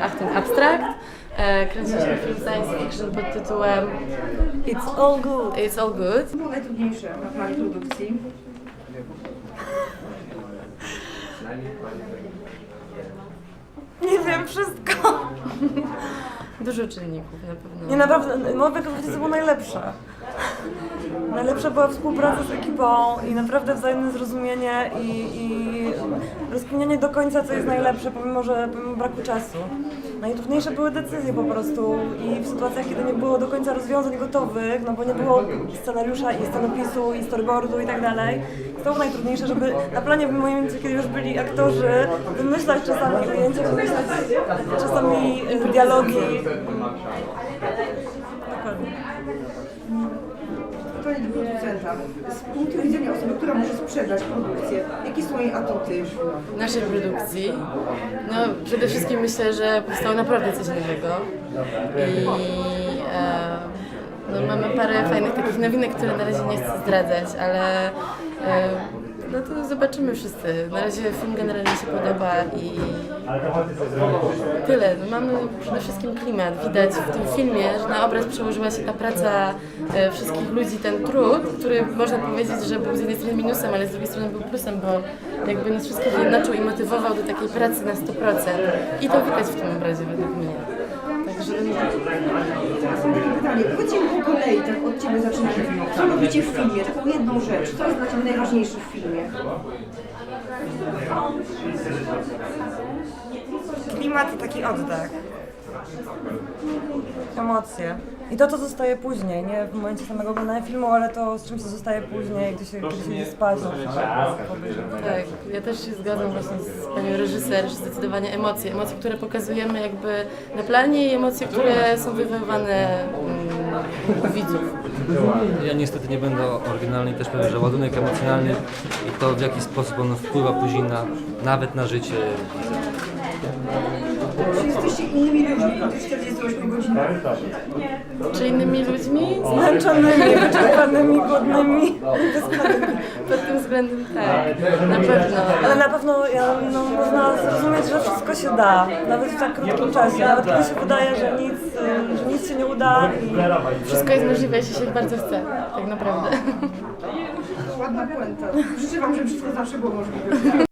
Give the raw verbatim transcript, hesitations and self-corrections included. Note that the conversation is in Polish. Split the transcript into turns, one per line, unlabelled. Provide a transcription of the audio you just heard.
Achtung Abstract. E, kręciliśmy film science fiction pod tytułem
It's all good.
It's All Good.
Co było najtrudniejsze na planie produkcji?
Nie wiem, wszystko.
Dużo czynników na pewno.
Nie, naprawdę, moja konferencja była najlepsza. Najlepsza była współpraca z ekipą i naprawdę wzajemne zrozumienie i, i rozkminianie do końca, co jest najlepsze, pomimo, że pomimo braku czasu. Najtrudniejsze były decyzje po prostu i w sytuacjach, kiedy nie było do końca rozwiązań gotowych, no bo nie było scenariusza i scenopisu i storyboardu i tak dalej. To było najtrudniejsze, żeby na planie w momencie, kiedy już byli aktorzy, wymyślać czasami ujęcia, wymyślać czasami e, dialogi. Dokładnie.
Pytanie do producenta. Z punktu widzenia osoby, która może sprzedać produkcję, jakie są jej atuty?
Naszej produkcji. No przede wszystkim myślę, że powstało naprawdę coś nowego i e, no, mamy parę fajnych takich nowinek, które na razie nie chcę zdradzać, ale e, no to zobaczymy wszyscy. Na razie film generalnie się podoba i tyle. No, mamy przede wszystkim klimat. Widać w tym filmie, że na obraz przełożyła się ta praca e, wszystkich ludzi, ten trud, który można powiedzieć, że był z jednej strony minusem, ale z drugiej strony był plusem, bo jakby nas wszystkich jednoczył i motywował do takiej pracy na sto procent. I to widać w tym obrazie według mnie. Także
Pytanie, powiedzcie mi po kolei, tak od Ciebie zaczynamy. Co robicie w filmie? Taką jedną rzecz. Co jest dla Ciebie najważniejsze w filmie?
Klimat i taki oddech. Emocje. I to, co zostaje później, nie w momencie samego oglądania filmu, ale to, z czym się zostaje później, gdy się, gdy się idzie spać.
tak, ja też się zgadzam właśnie z panią reżyser, że zdecydowanie emocje. Emocje, które pokazujemy jakby na planie i emocje, które są wywoływane mm, u widzów.
Ja niestety nie będę oryginalny, też powiem, że ładunek emocjonalny i to w jaki sposób on wpływa później na, nawet na życie widza.
Czy jesteście innymi ludźmi po tych czterdziestu ośmiu godzinach?
Czy innymi ludźmi?
Zmęczonymi, wyczerpanymi, głodnymi.
Pod tym względem tak, na pewno.
Ale na pewno ja, no, można zrozumieć, że wszystko się da, nawet w tak krótkim czasie. Nawet kiedy się wydaje, że nic, y, że nic się nie uda. I...
Wszystko jest możliwe, jeśli się bardzo chce, tak naprawdę.
Ładna puenta. Życzę Wam, żeby wszystko zawsze było możliwe.